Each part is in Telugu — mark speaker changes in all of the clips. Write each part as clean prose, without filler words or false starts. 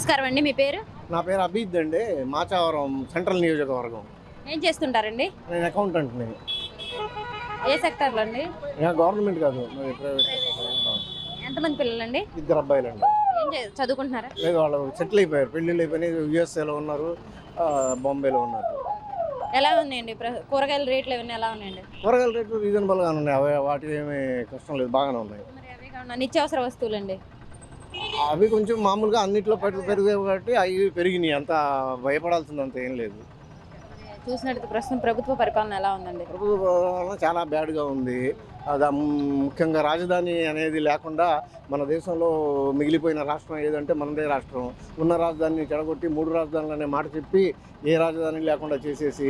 Speaker 1: నమస్కారం అండి. మీ పేరు?
Speaker 2: నా పేరు అభిద్ అండి. మాచావరం సెంట్రల్ నియోజకవర్గం.
Speaker 1: ఏం చేస్తుంటారండి?
Speaker 2: నేను అకౌంటెంట్ని.
Speaker 1: ఏ సెక్టార్లో అండి?
Speaker 2: గవర్నమెంట్ కాదు, మరి ప్రైవేట్.
Speaker 1: ఎంతమంది పిల్లలండి?
Speaker 2: 2 అబ్బాయిలండి.
Speaker 1: చదువుకుంటున్నారా?
Speaker 2: లేదు, వాళ్ళు సెటిల్ అయిపోయారు, పెళ్ళిళ్ళు అయిపోయినాయి. యూఎస్ఏలో ఉన్నారు, బాంబేలో ఉన్నారు.
Speaker 1: ఎలా ఉన్నాయండి కూరగాయల రేట్లు ఇవన్నీ ఎలా ఉన్నాయండి?
Speaker 2: కూరగాయల రేట్లు రీజనబుల్గానే ఉన్నాయి. వాటి ఏమీ కష్టం లేదు, బాగానే ఉన్నాయి.
Speaker 1: మరి అవే కాకుండా నిత్యావసర వస్తువులండి?
Speaker 2: అవి కొంచెం మామూలుగా అన్నింటిలో పెరిగాయి కాబట్టి అవి పెరిగినాయి. అంత భయపడాల్సిందంత ఏం లేదు.
Speaker 1: చూసినట్టు ప్రస్తుతం ప్రభుత్వ పరిపాలన ఎలా ఉందండి?
Speaker 2: ప్రభుత్వ పాలన చాలా బ్యాడ్గా ఉంది. అది ముఖ్యంగా రాజధాని అనేది లేకుండా మన దేశంలో మిగిలిపోయిన రాష్ట్రం ఏదంటే మనదే రాష్ట్రం. ఉన్న రాజధానిని చెడగొట్టి 3 రాజధానులు అనే మాట చెప్పి ఏ రాజధాని లేకుండా చేసేసి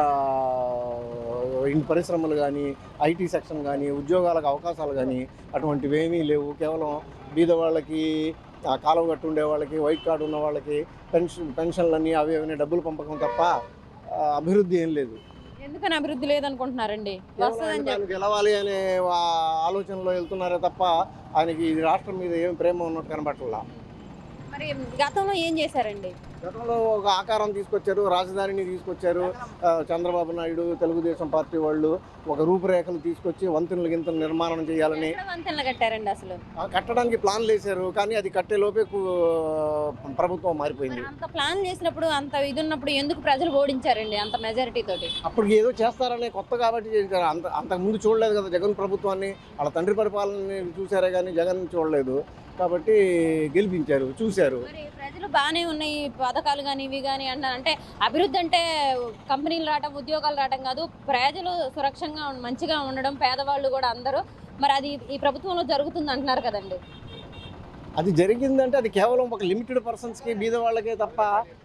Speaker 2: ఇన్ని పరిశ్రమలు కానీ, ఐటీ సెక్షన్ కానీ, ఉద్యోగాలకు అవకాశాలు కానీ అటువంటివి ఏమీ లేవు. కేవలం బీద వాళ్ళకి, కాలువ కట్టు ఉండే వాళ్ళకి, వైట్ కార్డు ఉన్న వాళ్ళకి పెన్షన్లన్నీ అవి ఏమైనా డబ్బులు పంపకం తప్ప అభివృద్ధి ఏం లేదు.
Speaker 1: ఎందుకని అభివృద్ధి లేదనుకుంటున్నారండి?
Speaker 2: గెలవాలి అనే ఆలోచనలో వెళ్తున్నారే తప్ప ఆయనకి ఈ రాష్ట్రం మీద ఏం ప్రేమ ఉన్నట్టు కనబట్టలా.
Speaker 1: మరి గతంలో ఏం చేశారండి?
Speaker 2: గతంలో ఒక ఆకారం తీసుకొచ్చారు, రాజధానిని తీసుకొచ్చారు. చంద్రబాబు నాయుడు, తెలుగుదేశం పార్టీ వాళ్ళు ఒక రూపురేఖలు తీసుకొచ్చి వంతెనలు గింతలు నిర్మాణం చేయాలని
Speaker 1: వంతెనలు కట్టారండి. అసలు
Speaker 2: కట్టడానికి ప్లాన్లు వేశారు, కానీ అది కట్టే లోపే ప్రభుత్వం మారిపోయింది.
Speaker 1: అంత ప్లాన్ చేసినప్పుడు, అంత ఇది ఉన్నప్పుడు ఎందుకు ప్రజలు ఓడించారండి అంత మెజారిటీ తోటి?
Speaker 2: అప్పుడు ఏదో చేస్తారనే కొత్త కాబట్టి చేశారు. అంతకుముందు చూడలేదు కదా జగన్ ప్రభుత్వాన్ని. వాళ్ళ తండ్రి పరిపాలనని చూశారే కానీ జగన్ చూడలేదు కాబట్టి గెలిపించారు, చూశారు.
Speaker 1: ప్రజలు బాగానే ఉన్నాయి పథకాలు కానీ ఇవి కానీ అంటారు. అంటే అభివృద్ధి అంటే కంపెనీలు రావడం, ఉద్యోగాలు రావడం కాదు, ప్రజలు సురక్షంగా మంచిగా ఉండడం, పేదవాళ్ళు కూడా అందరూ. మరి అది ఈ ప్రభుత్వంలో జరుగుతుంది అంటున్నారు కదండి.
Speaker 2: అది జరిగిందంటే అది కేవలం ఒక లిమిటెడ్ పర్సన్స్కి, బీద వాళ్ళకే తప్ప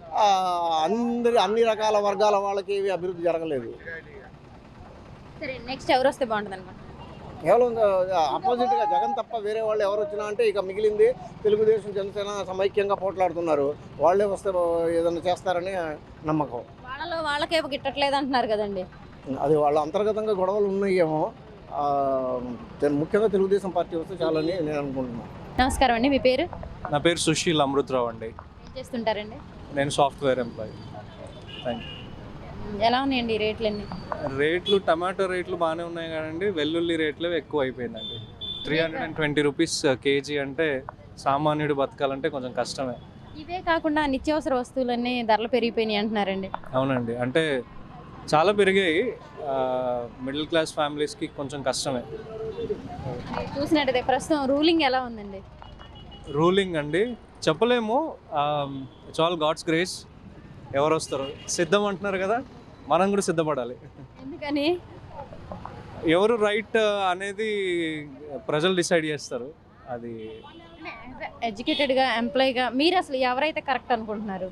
Speaker 2: అన్ని రకాల వర్గాల వాళ్ళకి అభివృద్ధి జరగలేదు.
Speaker 1: సరే, నెక్స్ట్ ఎవరు వస్తే బాగుంటుంది అనుకుంటున్నారు?
Speaker 2: కేవలం ఆపోజిట్గా జగన్ తప్ప వేరే వాళ్ళు ఎవరు వచ్చినా అంటే ఇక మిగిలింది తెలుగుదేశం, జనసేన సమైక్యంగా పోట్లాడుతున్నారు. వాళ్ళే వస్తే ఏదైనా చేస్తారని నమ్మకం.
Speaker 1: వాళ్ళకే గిట్టట్లేదు అంటున్నారు కదండి.
Speaker 2: అది వాళ్ళ అంతర్గతంగా గొడవలు ఉన్నాయేమో. ముఖ్యంగా తెలుగుదేశం పార్టీ వస్తే చాలని నేను అనుకుంటున్నాను.
Speaker 1: నమస్కారం అండి. మీ పేరు?
Speaker 3: నా పేరు సుశీల్ అమృతరావు అండి.
Speaker 1: ఏం చేస్తుంటారండి?
Speaker 3: నేను సాఫ్ట్వేర్ ఎంప్లాయీ. Thank you.
Speaker 1: ఎలా ఉన్నాయండి రేట్లన్నీ?
Speaker 3: రేట్లు, టమాటో రేట్లు బాగానే ఉన్నాయి కదండి, వెల్లుల్లి రేట్లు ఎక్కువ అయిపోయిందండి. 320 రూపీస్ కేజీ అంటే సామాన్యుడు బతకాలంటే కొంచెం కష్టమే.
Speaker 1: ఇవే కాకుండా నిత్యావసర వస్తువులన్నీ ధరలు పెరిగిపోయినాయి అంటున్నారండి.
Speaker 3: అవునండి, అంటే చాలా పెరిగాయి. మిడిల్ క్లాస్ ఫ్యామిలీస్కి కొంచెం కష్టమే.
Speaker 1: చూసినట్టయితే ప్రస్తుతం రూలింగ్ ఎలా ఉందండి?
Speaker 3: రూలింగ్ అండి చెప్పలేము. It's all God's grace. ఎవరు వస్తారు, సిద్ధం అంటున్నారు కదా, మనం కూడా సిద్ధపడాలి.
Speaker 1: ఎందుకని?
Speaker 3: ఎవరు రైట్ అనేది ప్రజలు డిసైడ్ చేస్తారు. అది
Speaker 1: ఎడ్యుకేటెడ్గా, ఎంప్లాయీగా మీరు అసలు ఎవరైతే కరెక్ట్ అనుకుంటున్నారు?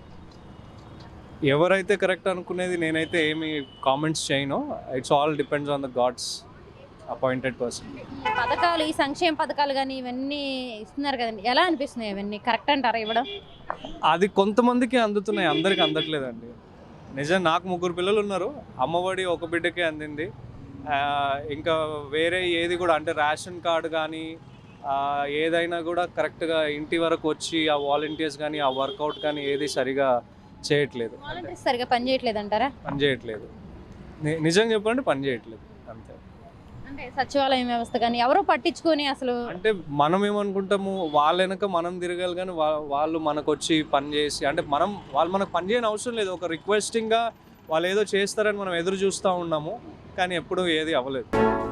Speaker 3: ఎవరైతే కరెక్ట్ అనుకునేది నేనైతే ఏమి కామెంట్స్ చేయను. It's all depends on the God's appointed person.
Speaker 1: ఈ పథకాలు, ఈ సంక్షేమ పథకాలు కానీ ఇవన్నీ ఇస్తున్నారు కదండి, ఎలా అనిపిస్తున్నాయి? ఇవన్నీ కరెక్ట్ అంటారా ఇవ్వడం?
Speaker 3: అది కొంతమందికి అందుతున్నాయి, అందరికి అందట్లేదండి. నిజం, నాకు 3 పిల్లలు ఉన్నారు. అమ్మఒడి ఒక బిడ్డకే అందింది. ఇంకా వేరే ఏది కూడా, అంటే రేషన్ కార్డు కానీ ఏదైనా కూడా కరెక్ట్గా ఇంటి వరకు వచ్చి ఆ వాలంటీర్స్ కానీ ఆ వర్కౌట్ కానీ ఏది సరిగా చేయట్లేదు.
Speaker 1: వాలంటీర్స్ సరిగా పని చేయట్లేదు అంటారా?
Speaker 3: పని చేయట్లేదు, నిజం చెప్పండి, పని చేయట్లేదు అంతే.
Speaker 1: అంటే సచివాలయం వ్యవస్థ కానీ ఎవరో పట్టించుకొని అసలు,
Speaker 3: అంటే మనం ఏమనుకుంటాము, వాళ్ళ వెనక మనం తిరగాలి కానీ వాళ్ళు మనకు వచ్చి పని చేసి, అంటే వాళ్ళు మనకు పని చేయని అవసరం లేదు. ఒక రిక్వెస్టింగ్గా వాళ్ళు ఏదో చేస్తారని మనం ఎదురు చూస్తూ ఉన్నాము, కానీ ఎప్పుడూ ఏది అవ్వలేదు.